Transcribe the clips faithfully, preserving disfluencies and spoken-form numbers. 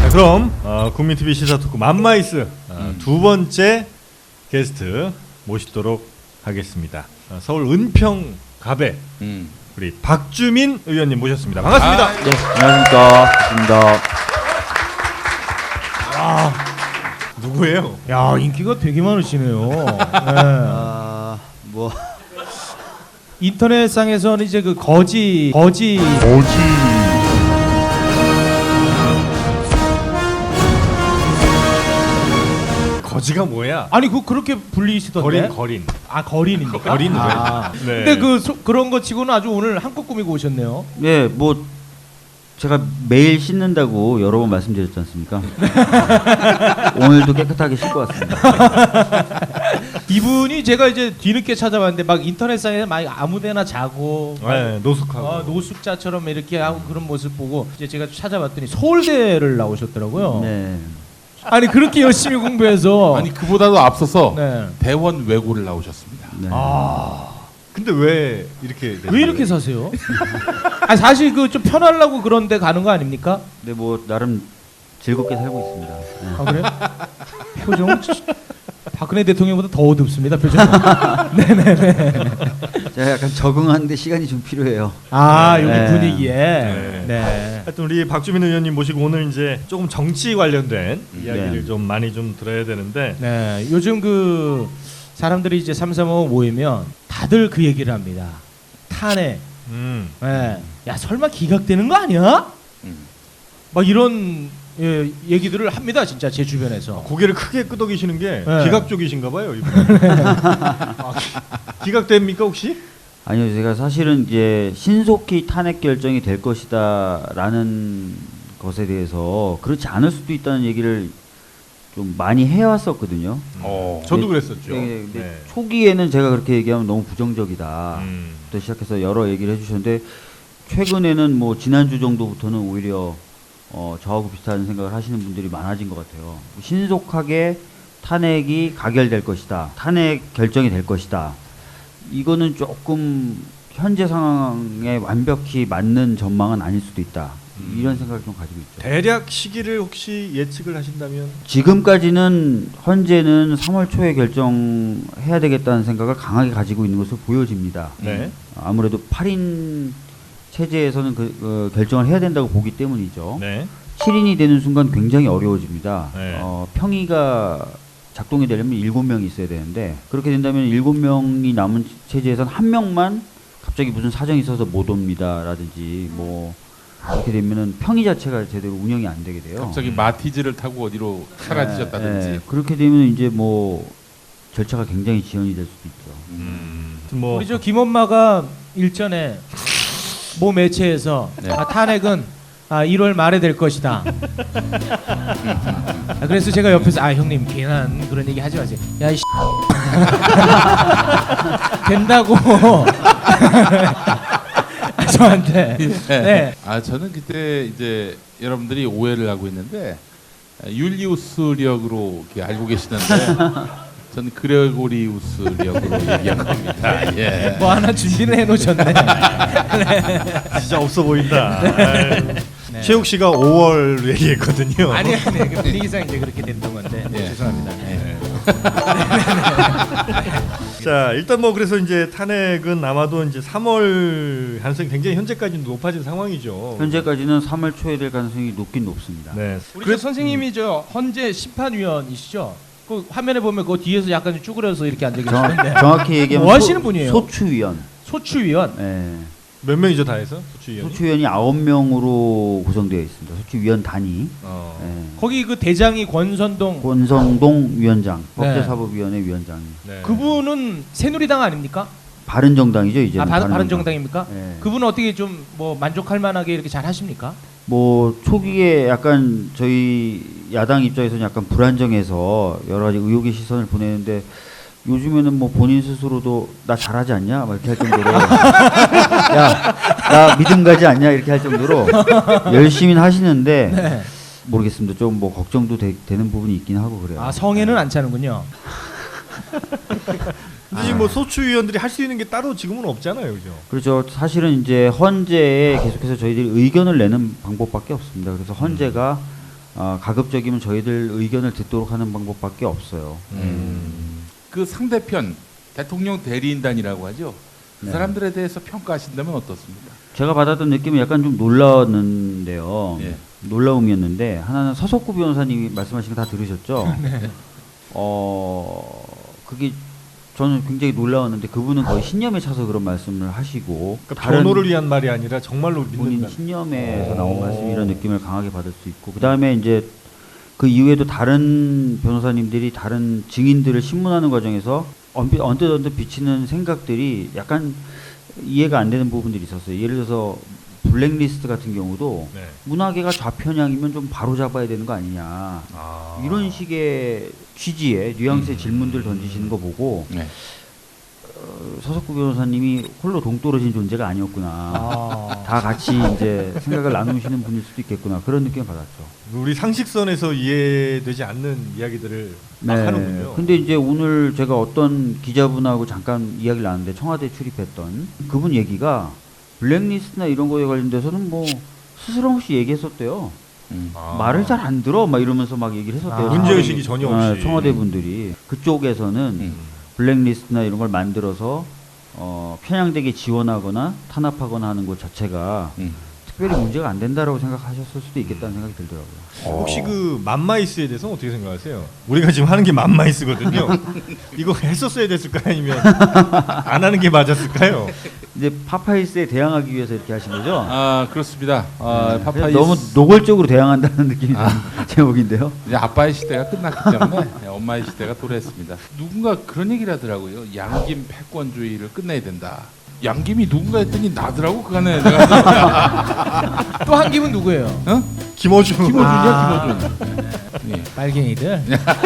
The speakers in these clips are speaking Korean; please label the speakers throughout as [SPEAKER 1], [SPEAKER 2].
[SPEAKER 1] 그럼 어, 국민티비 시사토크 맘마이스 어,
[SPEAKER 2] 음.
[SPEAKER 1] 두 번째 게스트 모시도록 하겠습니다. 어, 서울 은평 갑의
[SPEAKER 2] 음.
[SPEAKER 1] 우리 박주민 의원님 모셨습니다. 반갑습니다.
[SPEAKER 2] 아,
[SPEAKER 3] 네, 안녕하십니까. 반갑습니다.
[SPEAKER 1] 아, 누구예요?
[SPEAKER 4] 야, 인기가 되게 많으시네요. 네.
[SPEAKER 3] 아, 뭐
[SPEAKER 4] 인터넷상에서는 이제 그 거지 거지
[SPEAKER 1] 거지가 뭐야?
[SPEAKER 4] 아니 그 그렇게 불리시던데.
[SPEAKER 1] 거린 거린.
[SPEAKER 4] 아 거린입니까?
[SPEAKER 1] 거린
[SPEAKER 4] 아.
[SPEAKER 1] 네.
[SPEAKER 4] 근데 그 소, 그런 거 치고는 아주 오늘 한껏 꾸미고 오셨네요.
[SPEAKER 3] 예, 뭐 제가 매일 씻는다고 여러 번 말씀드렸지 않습니까? 오늘도 깨끗하게 씻고 왔습니다.
[SPEAKER 4] 이분이 제가 이제 뒤늦게 찾아봤는데 막 인터넷상에 막 아무데나 자고
[SPEAKER 1] 네, 노숙하고.
[SPEAKER 4] 어, 노숙자처럼 이렇게 하고 그런 모습 보고 이제 제가 찾아봤더니 서울대를 나오셨더라고요.
[SPEAKER 3] 네.
[SPEAKER 4] 아니 그렇게 열심히 공부해서
[SPEAKER 2] 아니 그보다도 앞서서
[SPEAKER 4] 네.
[SPEAKER 2] 대원 외고를 나오셨습니다.
[SPEAKER 3] 네.
[SPEAKER 1] 아. 근데 왜 이렇게
[SPEAKER 4] 왜 이렇게 사세요? 아 사실 그 좀 편하려고 그런데 가는 거 아닙니까?
[SPEAKER 3] 네, 뭐 나름 즐겁게 살고 있습니다. 네.
[SPEAKER 4] 아 그래? 표정 박근혜 대통령보다 더 어둡습니다 표정. 네네네.
[SPEAKER 3] 제가 약간 적응하는데 시간이 좀 필요해요.
[SPEAKER 4] 아 여기
[SPEAKER 3] 네.
[SPEAKER 4] 분위기에.
[SPEAKER 1] 네.
[SPEAKER 4] 네.
[SPEAKER 1] 하여튼 우리 박주민 의원님 모시고 오늘 이제 조금 정치 관련된
[SPEAKER 2] 음,
[SPEAKER 1] 이야기를
[SPEAKER 3] 네.
[SPEAKER 1] 좀 많이 좀 들어야 되는데
[SPEAKER 4] 네. 요즘 그 사람들이 이제 삼삼오오 모이면 다들 그 얘기를 합니다. 탄핵.
[SPEAKER 1] 음.
[SPEAKER 4] 네. 야 설마 기각되는 거 아니야?
[SPEAKER 2] 음.
[SPEAKER 4] 막 이런 예, 얘기들을 합니다 진짜 제 주변에서.
[SPEAKER 1] 고개를 크게 끄덕이시는 게
[SPEAKER 4] 네.
[SPEAKER 1] 기각 쪽이신가 봐요. 이분. 아, 기각됩니까 혹시?
[SPEAKER 3] 아니요, 제가 사실은 이제 신속히 탄핵 결정이 될 것이다라는 것에 대해서 그렇지 않을 수도 있다는 얘기를 좀 많이 해왔었거든요.
[SPEAKER 2] 어.
[SPEAKER 1] 저도
[SPEAKER 3] 네.
[SPEAKER 1] 그랬었죠.
[SPEAKER 3] 네, 근데
[SPEAKER 1] 네.
[SPEAKER 3] 초기에는 제가 그렇게 얘기하면 너무 부정적이다.
[SPEAKER 1] 음.
[SPEAKER 3] 부터 시작해서 여러 얘기를 해주셨는데 최근에는 뭐 지난주 정도부터는 오히려 어, 저하고 비슷한 생각을 하시는 분들이 많아진 것 같아요. 신속하게 탄핵이 가결될 것이다. 탄핵 결정이 될 것이다. 이거는 조금 현재 상황에 완벽히 맞는 전망은 아닐 수도 있다.
[SPEAKER 1] 음.
[SPEAKER 3] 이런 생각을 좀 가지고 있죠.
[SPEAKER 1] 대략 시기를 혹시 예측을 하신다면?
[SPEAKER 3] 지금까지는 현재는 삼월 초에 결정해야 되겠다는 생각을 강하게 가지고 있는 것으로 보여집니다.
[SPEAKER 1] 네.
[SPEAKER 3] 아무래도 팔 인 체제에서는 그, 어, 결정을 해야 된다고 보기 때문이죠.
[SPEAKER 1] 네.
[SPEAKER 3] 칠 인이 되는 순간 굉장히 어려워집니다.
[SPEAKER 1] 네.
[SPEAKER 3] 어, 평의가 작동이 되려면 일곱 명이 있어야 되는데 그렇게 된다면 일곱 명이 남은 체제에서는 한 명만 갑자기 무슨 사정이 있어서 못 옵니다라든지 뭐 그렇게 되면은 평의 자체가 제대로 운영이 안 되게 돼요.
[SPEAKER 2] 갑자기 마티즈를 타고 어디로 사라지셨다든지.
[SPEAKER 3] 네, 네. 그렇게 되면 이제 뭐 절차가 굉장히 지연이 될 수도 있죠.
[SPEAKER 2] 음.
[SPEAKER 1] 뭐
[SPEAKER 4] 우리 저 김엄마가 일전에 모 매체에서
[SPEAKER 3] 네.
[SPEAKER 4] 아, 탄핵은 아, 일월 말에 될 것이다. 아, 그래서 제가 옆에서 아 형님 괜한 그런 얘기 하지 마세요. 야 이 된다고 저한테. 네.
[SPEAKER 2] 아 저는 그때 이제 여러분들이 오해를 하고 있는데 율리우스력으로 이렇게 알고 계시는데 저는 그레고리우스력으로 얘기한 겁니다. 예.
[SPEAKER 4] 뭐 하나 준비를 해놓으셨네.
[SPEAKER 1] 진짜 없어 보인다. 아유.
[SPEAKER 4] 네.
[SPEAKER 1] 최욱 씨가 오월 얘기했거든요.
[SPEAKER 4] 아니 아니 그 분위기상 이제 그렇게 됐던 건데
[SPEAKER 2] 예.
[SPEAKER 4] 죄송합니다. 네.
[SPEAKER 1] 자 일단 뭐 그래서 이제 탄핵은 아마도 이제 삼월 가능성이 굉장히 현재까지는 높아진 상황이죠.
[SPEAKER 3] 현재까지는 삼월 초에 될 가능성이 높긴 높습니다.
[SPEAKER 1] 네.
[SPEAKER 4] 우리 그 선생님이 저 헌재 심판위원이시죠? 그 화면에 보면 그 뒤에서 약간 쭈그려서 이렇게 앉아
[SPEAKER 3] 정,
[SPEAKER 4] 계시는데
[SPEAKER 3] 정확히 얘기하면
[SPEAKER 4] 뭐 하시는
[SPEAKER 3] 소,
[SPEAKER 4] 분이에요?
[SPEAKER 3] 소추위원.
[SPEAKER 4] 소추위원.
[SPEAKER 3] 예.
[SPEAKER 1] 몇 명이죠 다 해서 소추위원이?
[SPEAKER 3] 소추위원이 아홉 명으로 구성되어 있습니다. 소추위원 단위.
[SPEAKER 1] 어.
[SPEAKER 3] 예.
[SPEAKER 4] 거기 그 대장이 권선동.
[SPEAKER 3] 권성동 위원장,
[SPEAKER 4] 네.
[SPEAKER 3] 법제사법위원회 위원장.
[SPEAKER 1] 네.
[SPEAKER 4] 그분은 새누리당 아닙니까?
[SPEAKER 3] 바른정당이죠 이제.
[SPEAKER 4] 아 바, 바른정당입니까?
[SPEAKER 3] 예.
[SPEAKER 4] 그분은 어떻게 좀 뭐 만족할 만하게 이렇게 잘 하십니까?
[SPEAKER 3] 뭐 초기에 약간 저희 야당 입장에서는 약간 불안정해서 여러 가지 의혹의 시선을 보내는데 요즘에는 뭐 본인 스스로도 나 잘하지 않냐 막 이렇게 할 정도로 야 나 믿음 가지 않냐 이렇게 할 정도로 열심히 하시는데
[SPEAKER 4] 네.
[SPEAKER 3] 모르겠습니다. 좀 뭐 걱정도 되, 되는 부분이 있긴 하고 그래요.
[SPEAKER 4] 아 성에는 안 차는군요.
[SPEAKER 1] 근데 지금 뭐 소추위원들이 할 수 있는 게 따로 지금은 없잖아요, 그죠?
[SPEAKER 3] 그렇죠. 사실은 이제 헌재에 계속해서 저희들이 의견을 내는 방법밖에 없습니다. 그래서 헌재가 어, 가급적이면 저희들 의견을 듣도록 하는 방법밖에 없어요.
[SPEAKER 2] 음. 그 상대편 대통령 대리인단이라고 하죠. 그
[SPEAKER 3] 네.
[SPEAKER 2] 사람들에 대해서 평가하신다면 어떻습니까?
[SPEAKER 3] 제가 받았던 느낌은 약간 좀 놀라웠는데요.
[SPEAKER 2] 예.
[SPEAKER 3] 놀라움이었는데 하나는 서석구 변호사님이 말씀하신 거 다 들으셨죠? 어 그게 저는 굉장히 놀라웠는데 그분은 거의 신념에 차서 그런 말씀을 하시고
[SPEAKER 1] 그러니까 변호를 위한 말이 아니라 정말로
[SPEAKER 3] 본인
[SPEAKER 1] 믿는다.
[SPEAKER 3] 신념에서
[SPEAKER 1] 오.
[SPEAKER 3] 나온 말씀 이런 느낌을 강하게 받을 수 있고 그 다음에 이제 그 이후에도 다른 변호사님들이 다른 증인들을 신문하는 과정에서 언뜻 언뜻 언뜻 비치는 생각들이 약간 이해가 안 되는 부분들이 있었어요. 예를 들어서 블랙리스트 같은 경우도
[SPEAKER 1] 네.
[SPEAKER 3] 문화계가 좌편향이면 좀 바로 잡아야 되는 거 아니냐
[SPEAKER 1] 아.
[SPEAKER 3] 이런 식의 취지의 뉘앙스의
[SPEAKER 1] 음.
[SPEAKER 3] 질문들 던지시는 거 보고
[SPEAKER 2] 네.
[SPEAKER 3] 어, 서석구 변호사님이 홀로 동떨어진 존재가 아니었구나.
[SPEAKER 4] 아.
[SPEAKER 3] 다 같이 이제 생각을 나누시는 분일 수도 있겠구나 그런 느낌을 받았죠.
[SPEAKER 1] 우리 상식선에서 이해되지 않는 이야기들을 막 하는군요.
[SPEAKER 3] 근데 이제 오늘 제가 어떤 기자분하고 잠깐 이야기를 나눴는데 청와대 출입했던 그분 얘기가 블랙리스트나 이런 거에 관련돼서는 뭐 스스럼 없이 얘기했었대요.
[SPEAKER 2] 음.
[SPEAKER 1] 아.
[SPEAKER 3] 말을 잘 안 들어 막 이러면서 막 얘기를 했었대요.
[SPEAKER 4] 아.
[SPEAKER 1] 문제의식이 전혀
[SPEAKER 3] 아,
[SPEAKER 1] 없이.
[SPEAKER 3] 청와대 분들이 그쪽에서는
[SPEAKER 2] 음.
[SPEAKER 3] 블랙리스트나 이런 걸 만들어서 어, 편향되게 지원하거나 탄압하거나 하는 것 자체가
[SPEAKER 2] 음.
[SPEAKER 3] 특별히 문제가 안 된다라고 생각하셨을 수도 있겠다는 생각이 들더라고요.
[SPEAKER 1] 혹시 그 맘마이스에 대해서 어떻게 생각하세요? 우리가 지금 하는 게 맘마이스거든요. 이거 했었어야 됐을까요? 아니면 안 하는 게 맞았을까요?
[SPEAKER 3] 이제 파파이스에 대항하기 위해서 이렇게 하신 거죠?
[SPEAKER 2] 아 그렇습니다. 아,
[SPEAKER 3] 네.
[SPEAKER 2] 파파이스
[SPEAKER 3] 너무 노골적으로 대항한다는 느낌이 드는 제목인데요.
[SPEAKER 2] 이제 아빠의 시대가 끝났기 때문에 엄마의 시대가 도래했습니다. 누군가 그런 얘기를 하더라고요. 양김 패권주의를 끝내야 된다. 양김이 누군가 했더니 나더라고 그간에 내가
[SPEAKER 4] 또 한 김은 누구예요?
[SPEAKER 2] 어?
[SPEAKER 1] 김어준.
[SPEAKER 2] 김어준이야
[SPEAKER 4] 아.
[SPEAKER 2] 김어준. 예.
[SPEAKER 4] 빨갱이들.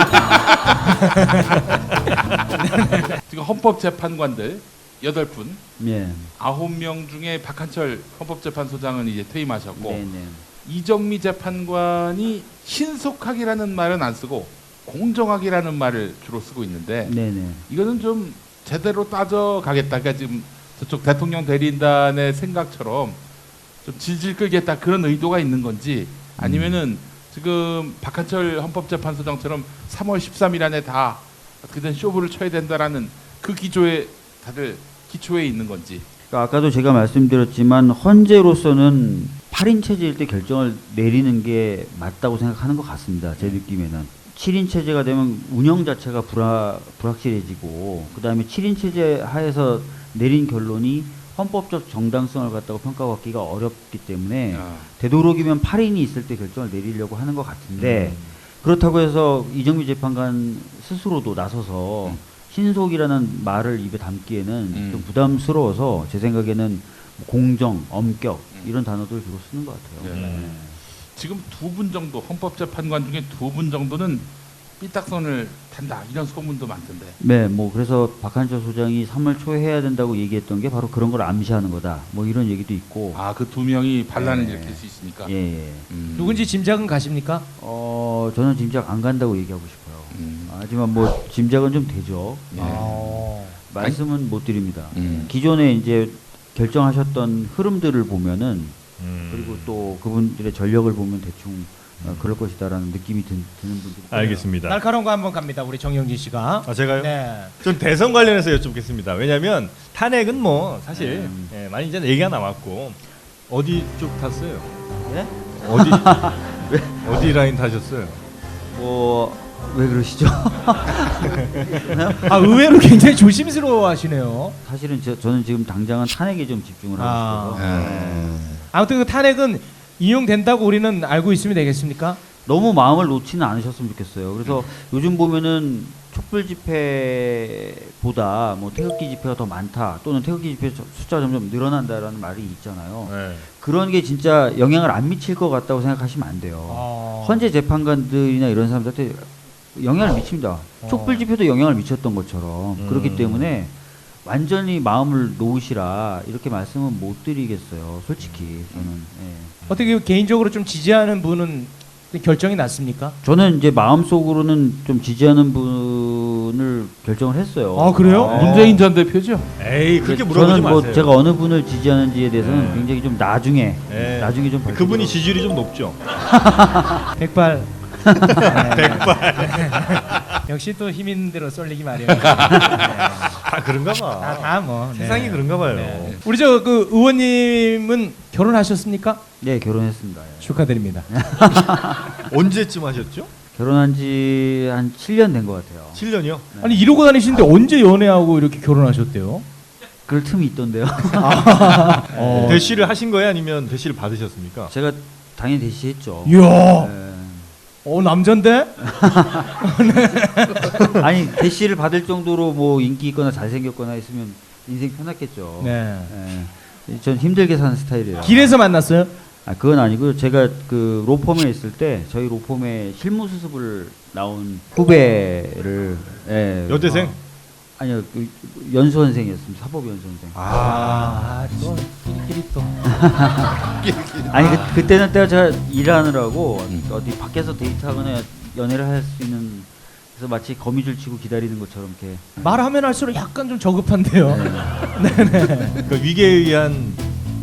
[SPEAKER 2] 지금 헌법재판관들 여덟 분,
[SPEAKER 3] 예.
[SPEAKER 2] 아홉 명 중에 박한철 헌법재판소장은 이제 퇴임하셨고
[SPEAKER 3] 네네.
[SPEAKER 2] 이정미 재판관이 신속하기라는 말은 안 쓰고 공정하기라는 말을 주로 쓰고 있는데
[SPEAKER 3] 네네.
[SPEAKER 2] 이거는 좀 제대로 따져 가겠다. 그러니까 지금 저쪽 대통령 대리인단의 생각처럼 좀 질질 끌겠다 그런 의도가 있는 건지 아니면은 지금 박한철 헌법재판소장처럼 삼월 십삼일 안에 다 어떻게든 쇼부를 쳐야 된다라는 그 기조에 다들 기초에 있는 건지.
[SPEAKER 3] 그러니까 아까도 제가 말씀드렸지만 헌재로서는 팔 인 체제일 때 결정을 내리는 게 맞다고 생각하는 것 같습니다. 제 느낌에는. 칠 인 체제가 되면 운영 자체가 불화, 불확실해지고 그 다음에 칠 인 체제 하에서 내린 결론이 헌법적 정당성을 갖다가 평가받기가 어렵기 때문에
[SPEAKER 2] 아,
[SPEAKER 3] 되도록이면 팔 인이 있을 때 결정을 내리려고 하는 것 같은데
[SPEAKER 1] 음.
[SPEAKER 3] 그렇다고 해서 이정미 재판관 스스로도 나서서
[SPEAKER 2] 음.
[SPEAKER 3] 신속이라는 말을 입에 담기에는
[SPEAKER 2] 음.
[SPEAKER 3] 좀 부담스러워서 제 생각에는 뭐 공정, 엄격
[SPEAKER 2] 음.
[SPEAKER 3] 이런 단어들 주로 쓰는 것 같아요.
[SPEAKER 2] 네.
[SPEAKER 3] 네.
[SPEAKER 2] 지금 두 분 정도 헌법재판관 중에 두 분 정도는 삐딱선을 탄다 이런 소문도 많던데.
[SPEAKER 3] 네, 뭐 그래서 박한철 소장이 삼월 초에 해야 된다고 얘기했던 게 바로 그런 걸 암시하는 거다. 뭐 이런 얘기도 있고.
[SPEAKER 2] 아 그 두 명이 반란을
[SPEAKER 3] 네.
[SPEAKER 2] 일으킬 수 있으니까.
[SPEAKER 3] 예, 예.
[SPEAKER 2] 음.
[SPEAKER 4] 누군지 짐작은 가십니까?
[SPEAKER 3] 어, 저는 짐작 안 간다고 얘기하고 싶어요.
[SPEAKER 2] 음.
[SPEAKER 3] 하지만 뭐 짐작은 좀 되죠.
[SPEAKER 2] 예.
[SPEAKER 4] 아.
[SPEAKER 3] 말씀은 못 드립니다.
[SPEAKER 2] 음.
[SPEAKER 3] 기존에 이제 결정하셨던 흐름들을 보면은
[SPEAKER 1] 음.
[SPEAKER 3] 그리고 또 그분들의 전력을 보면 대충 어, 그럴 것이다라는 느낌이 드, 드는 분들이 있어요.
[SPEAKER 1] 알겠습니다.
[SPEAKER 4] 날카로운 거 한번 갑니다. 우리 정영진 씨가.
[SPEAKER 1] 아 제가요?
[SPEAKER 4] 네.
[SPEAKER 1] 전 대선 관련해서 여쭙겠습니다. 왜냐하면 탄핵은 뭐 사실
[SPEAKER 3] 음.
[SPEAKER 1] 예, 많이 이제 얘기가 나왔고 어디 쪽 탔어요?
[SPEAKER 3] 네?
[SPEAKER 1] 어디 어디 라인 타셨어요?
[SPEAKER 3] 뭐 왜 그러시죠?
[SPEAKER 4] 아 의외로 굉장히 조심스러워하시네요.
[SPEAKER 3] 사실은 저, 저는 지금 당장은 탄핵에 좀 집중을 하고
[SPEAKER 4] 아.
[SPEAKER 3] 싶어요.
[SPEAKER 2] 음.
[SPEAKER 4] 아무튼 그 탄핵은 이용된다고 우리는 알고 있으면 되겠습니까?
[SPEAKER 3] 너무 마음을 놓지는 않으셨으면 좋겠어요. 그래서 요즘 보면은 촛불 집회보다 뭐 태극기 집회가 더 많다 또는 태극기 집회 숫자가 점점 늘어난다라는 말이 있잖아요.
[SPEAKER 1] 네.
[SPEAKER 3] 그런 게 진짜 영향을 안 미칠 것 같다고 생각하시면 안 돼요.
[SPEAKER 4] 어.
[SPEAKER 3] 헌재 재판관들이나 이런 사람들한테 영향을 미칩니다.
[SPEAKER 4] 어.
[SPEAKER 3] 촛불 집회도 영향을 미쳤던 것처럼
[SPEAKER 1] 음.
[SPEAKER 3] 그렇기 때문에 완전히 마음을 놓으시라 이렇게 말씀은 못 드리겠어요. 솔직히 저는. 예.
[SPEAKER 4] 어떻게 개인적으로 좀 지지하는 분은 결정이 났습니까?
[SPEAKER 3] 저는 이제 마음속으로는 좀 지지하는 분 분을 결정을 했어요.
[SPEAKER 4] 아, 그래요?
[SPEAKER 1] 아.
[SPEAKER 2] 문재인 전 대표죠.
[SPEAKER 1] 에이 그렇게
[SPEAKER 3] 근데
[SPEAKER 1] 물어보지
[SPEAKER 3] 저는 뭐
[SPEAKER 1] 마세요.
[SPEAKER 3] 제가 어느 분을 지지하는지에 대해서는
[SPEAKER 1] 네.
[SPEAKER 3] 굉장히 좀 나중에
[SPEAKER 1] 네.
[SPEAKER 3] 나중에 좀
[SPEAKER 1] 그분이
[SPEAKER 3] 밝혀드리도록
[SPEAKER 1] 지지율이 좀 높죠.
[SPEAKER 4] 백발.
[SPEAKER 1] 백발.
[SPEAKER 4] 역시 또 힘 있는 대로 쏠리기 마련.
[SPEAKER 1] 다 그런가 봐.
[SPEAKER 4] 다 뭐. 네.
[SPEAKER 1] 세상이 그런가 봐요.
[SPEAKER 4] 네. 우리 저 그 의원님은 결혼하셨습니까?
[SPEAKER 3] 네, 결혼했습니다. 예.
[SPEAKER 4] 축하드립니다.
[SPEAKER 1] 언제쯤 하셨죠?
[SPEAKER 3] 결혼한 지 한 칠 년 된 것 같아요.
[SPEAKER 1] 칠 년이요?
[SPEAKER 4] 아니 이러고 다니시는데 언제 연애하고 이렇게 결혼하셨대요?
[SPEAKER 3] 그럴 틈이 있던데요.
[SPEAKER 4] 어.
[SPEAKER 1] 대시를 하신 거예요, 아니면 대시를 받으셨습니까?
[SPEAKER 3] 제가 당연히 대시했죠.
[SPEAKER 4] 이야.
[SPEAKER 3] 예.
[SPEAKER 4] 어 남잔데?
[SPEAKER 3] 아니 대시를 받을 정도로 뭐 인기 있거나 잘생겼거나 했으면 인생 편했겠죠.
[SPEAKER 4] 네.
[SPEAKER 3] 예. 전 힘들게 사는 스타일이에요.
[SPEAKER 4] 길에서 만났어요?
[SPEAKER 3] 아 그건 아니고 제가 그 로펌에 있을 때 저희 로펌에 실무 수습을 나온 후배를 예.
[SPEAKER 1] 여대생?
[SPEAKER 3] 어, 아니요 그 연수원생이었습니다. 사법연수원생.
[SPEAKER 4] 아, 또 끼리끼리 또.
[SPEAKER 3] 아니 그, 그때는 때가 제가 일하느라고 어디 밖에서 데이트하거나 연애를 할 수 있는 그래서 마치 거미줄 치고 기다리는 것처럼 이렇게
[SPEAKER 4] 말하면 할수록 약간 좀 저급한데요.
[SPEAKER 1] 그 위계에 의한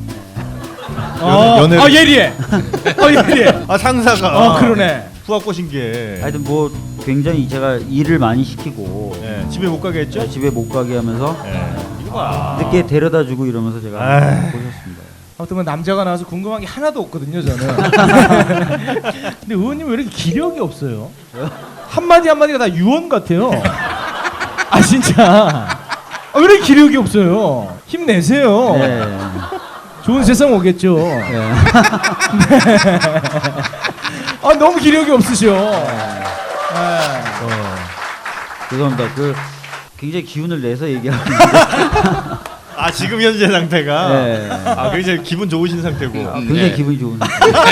[SPEAKER 4] 어,
[SPEAKER 1] 연애-
[SPEAKER 4] 아 예리해. 어 예리해.
[SPEAKER 1] 아 상사가
[SPEAKER 4] 어 그러네.
[SPEAKER 1] 후학 꼬신 게
[SPEAKER 3] 하여튼 뭐 굉장히 제가 일을 많이 시키고
[SPEAKER 1] 예, 집에 못 가게 했죠?
[SPEAKER 3] 집에 못 가게 하면서
[SPEAKER 1] 예. 이거 봐.
[SPEAKER 3] 늦게 데려다 주고 이러면서 제가
[SPEAKER 1] 아이.
[SPEAKER 3] 보셨습니다.
[SPEAKER 4] 아무튼 뭐 남자가 나와서 궁금한 게 하나도 없거든요 저는. 근데 의원님 왜 이렇게 기력이 없어요? 한마디 한마디가 다 유언 같아요. 아 진짜. 아, 왜 이렇게 기력이 없어요? 힘내세요.
[SPEAKER 3] 네.
[SPEAKER 4] 좋은 세상 오겠죠.
[SPEAKER 3] 네.
[SPEAKER 4] 아 너무 기력이 없으셔. 네.
[SPEAKER 3] 죄송합니다. 그 굉장히 기운을 내서 얘기하고
[SPEAKER 1] 아 지금 현재 상태가
[SPEAKER 3] 네.
[SPEAKER 1] 아 굉장히 기분 좋으신 상태고
[SPEAKER 3] 굉장히
[SPEAKER 2] 네.
[SPEAKER 3] 기분이 좋은.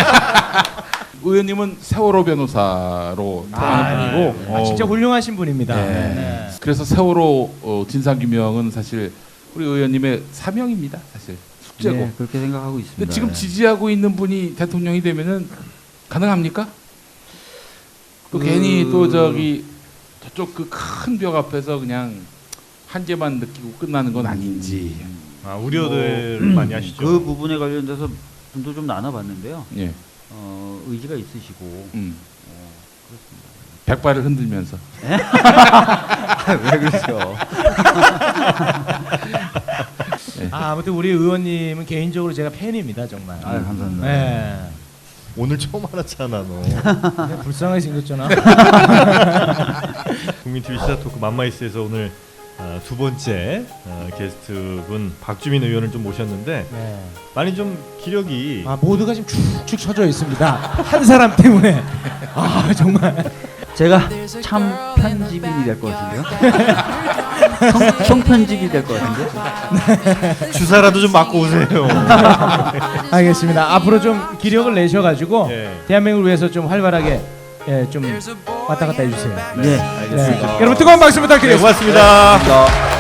[SPEAKER 2] 의원님은 세월호 변호사로 통하는 분이고
[SPEAKER 4] 아, 진짜
[SPEAKER 2] 어,
[SPEAKER 4] 훌륭하신 분입니다.
[SPEAKER 2] 네.
[SPEAKER 4] 네.
[SPEAKER 2] 그래서 세월호 어, 진상규명은 사실 우리 의원님의 사명입니다. 사실 숙제고.
[SPEAKER 3] 네, 그렇게 생각하고 있습니다.
[SPEAKER 2] 근데 지금
[SPEAKER 3] 네.
[SPEAKER 2] 지지하고 있는 분이 대통령이 되면은 가능합니까? 또
[SPEAKER 3] 그-
[SPEAKER 2] 괜히 또 저기 저쪽 그 큰 벽 앞에서 그냥 한계만 느끼고 끝나는 건 아닌지.
[SPEAKER 1] 아 우려들
[SPEAKER 2] 뭐,
[SPEAKER 1] 많이 하시죠.
[SPEAKER 3] 그 부분에 관련돼서 분도 좀 나눠봤는데요.
[SPEAKER 2] 예.
[SPEAKER 3] 어, 의지가 있으시고
[SPEAKER 2] 음. 백발을 흔들면서.
[SPEAKER 3] 왜 그러세요?
[SPEAKER 4] 아, 아무튼 우리 의원님은 개인적으로 제가 팬입니다 정말.
[SPEAKER 3] 아 감사합니다.
[SPEAKER 4] 네.
[SPEAKER 1] 오늘 처음 알았잖아 너.
[SPEAKER 4] 그냥 불쌍하게 생겼잖아.
[SPEAKER 1] 국민티비 시사토크 맘마이스에서 오늘 어, 두 번째 어, 게스트분 박주민 의원을 좀 모셨는데
[SPEAKER 4] 네.
[SPEAKER 1] 많이 좀 기력이
[SPEAKER 4] 아 모두가 지금 축축 처져 있습니다. 한 사람 때문에. 아 정말.
[SPEAKER 3] 제가 참 편집인이 될 것 같은데요. 청, 청편집이 될 것 같은데.
[SPEAKER 1] 주사라도 좀 맞고 오세요.
[SPEAKER 4] 알겠습니다. 앞으로 좀 기력을 내셔가지고
[SPEAKER 1] 예.
[SPEAKER 4] 대한민국을 위해서 좀 활발하게 예, 좀 왔다 갔다 해주세요.
[SPEAKER 3] 네.
[SPEAKER 1] 알겠습니다.
[SPEAKER 4] 네. 여러분 뜨거운 박수
[SPEAKER 1] 네,
[SPEAKER 4] 부탁드리겠습니다.
[SPEAKER 1] 고맙습니다.
[SPEAKER 3] 감사합니다.